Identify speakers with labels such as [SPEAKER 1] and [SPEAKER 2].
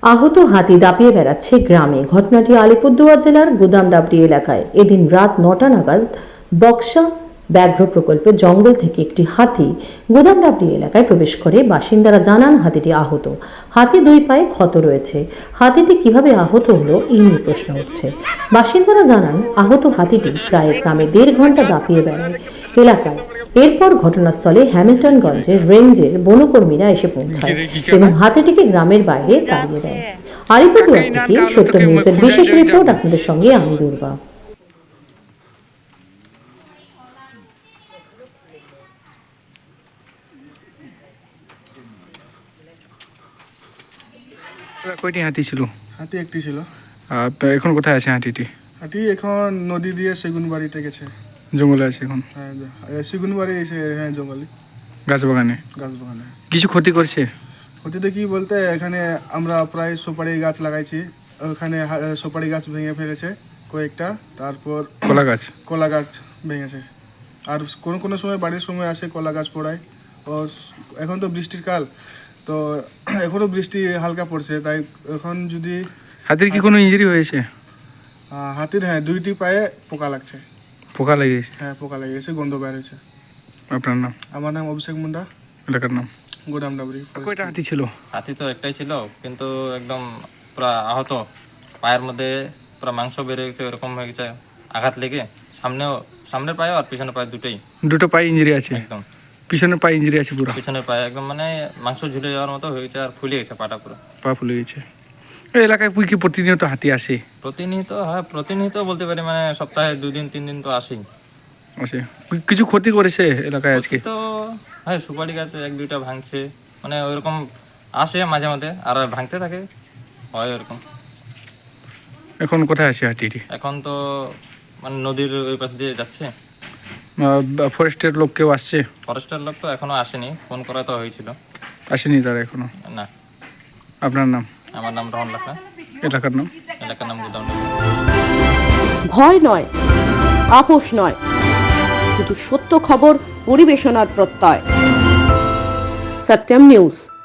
[SPEAKER 1] আহত হাতি দাপিয়ে বেড়াচ্ছে গ্রামে। ঘটনাটি আলিপুরদুয়ার জেলার গুদামডাবরি এলাকায়। এদিন রাত ৯টা নাগাদ বক্সা ব্যাঘ্র প্রকল্পের জঙ্গল থেকে একটি হাতি গুদামডাবরি এলাকায় প্রবেশ করে। বাসিন্দারা জানান হাতিটি আহত। হাতি দুই পায়ে ক্ষত রয়েছে। হাতিটি কিভাবে আহত হলো এই নিয়ে প্রশ্ন উঠছে। বাসিন্দারা জানান আহত হাতিটি প্রায় গ্রামে ১.৫ ঘন্টা দাপিয়ে বেড়ায় এলাকায়। এরপর ঘটনাস্থলে হ্যামিল্টনগঞ্জের রেঞ্জের বনকর্মীরা এসে পৌঁছায় এবং হাতিটিকে গ্রামের বাইরে তাড়িয়ে দেয়। আলিপুরদুয়ার থেকে সত্য নিউজের বিশেষ রিপোর্ট আপনাদের সঙ্গে আমি দুর্বা।
[SPEAKER 2] কয়টি হাতি ছিল?
[SPEAKER 3] হাতি একটি ছিল।
[SPEAKER 2] এখন কোথায় আছে হাতিটি?
[SPEAKER 3] হাতি এখন নদী দিয়ে সেগুন বাড়িতে গেছে।
[SPEAKER 2] জঙ্গলে আছে এখন?
[SPEAKER 3] হ্যাঁ, সেগুন বাড়ি এসে, হ্যাঁ, জঙ্গলে
[SPEAKER 2] গাছ বাগানে। কিছু ক্ষতি করছে?
[SPEAKER 3] ক্ষতিতে কি বলতে, এখানে আমরা প্রায় সুপারি গাছ লাগাইছি, ওখানে সুপারি গাছ ভেঙে ফেলেছে কয়েকটা। তারপর কলা গাছ ভেঙেছে। আর কোনো সময় বাড়ির সময় আসে কলা গাছ পড়ায়। ও এখন তো বৃষ্টির কাল, তো এখনও বৃষ্টি হালকা পড়ছে, তাই এখন যদি
[SPEAKER 2] হাতির কি কোনো ইনজুরি হয়েছে?
[SPEAKER 3] হাতির, হ্যাঁ, 2টি পায়ে পোকা লাগছে।
[SPEAKER 2] পোকা লেগেছে?
[SPEAKER 3] হ্যাঁ, পোকা লেগেছে, গন্ধ বের হয়েছে।
[SPEAKER 2] আপনার নাম?
[SPEAKER 3] আমার নাম অভিষেক মুন্ডা।
[SPEAKER 2] এলাকার নাম?
[SPEAKER 3] গুদামডাবরি।
[SPEAKER 2] কয়টা হাতি ছিল?
[SPEAKER 4] হাতি তো একটাই ছিল, কিন্তু একদম পুরা আহত, পায়ের মধ্যে পুরা মাংস বেড়ে গেছে, এরকম হয়ে গেছে আঘাত লেগে। সামনের পায়ে আর পিছনের পায়ে
[SPEAKER 2] দুটো পায়ে ইনজুরি আছে?
[SPEAKER 4] একদম
[SPEAKER 2] পিছনের পায়ে ইনজুরি আছে পুরো?
[SPEAKER 4] পিছনের পায়ে একদম মানে মাংস ঝুলে যাওয়ার মতো হয়ে গেছে, আর ফুলে গেছে পাটা পুরো।
[SPEAKER 2] পা ফুলে গেছে। এই এলাকায় কি প্রতিনিয়ত হাতি আসে?
[SPEAKER 4] প্রতিনিয়ত বলতে পারি, মানে সপ্তাহে 2 দিন 3 দিন তো আসেই।
[SPEAKER 2] আসে। কিছু ক্ষতি করেছে এলাকায় আজকে?
[SPEAKER 4] তো হ্যাঁ, সুপারি গাছ 1-2টা ভাঙছে, মানে ওইরকম আসে মাঝে মাঝে, আর ভাঙতে থাকে, হয় ওরকম।
[SPEAKER 2] এখন কোথায় আছে হাতিটি?
[SPEAKER 4] এখন তো মানে নদীর ওই পাশ দিয়ে যাচ্ছে।
[SPEAKER 2] ফরেস্টের লোক কেউ আসছে?
[SPEAKER 4] ফরেস্টের লোক তো এখনো আসেনি, ফোন করা তো হয়েছিল।
[SPEAKER 2] আসেনি তারা এখনো?
[SPEAKER 4] না।
[SPEAKER 2] আপনার নাম?
[SPEAKER 4] আমার নাম রহন লাখা।
[SPEAKER 2] এলাকার নাম?
[SPEAKER 4] এলাকার নাম গুদাম।
[SPEAKER 5] ভয় নয়, আপোষ নয়, শুধু সত্য খবর পরিবেশনার প্রত্যয়। সত্যম নিউজ।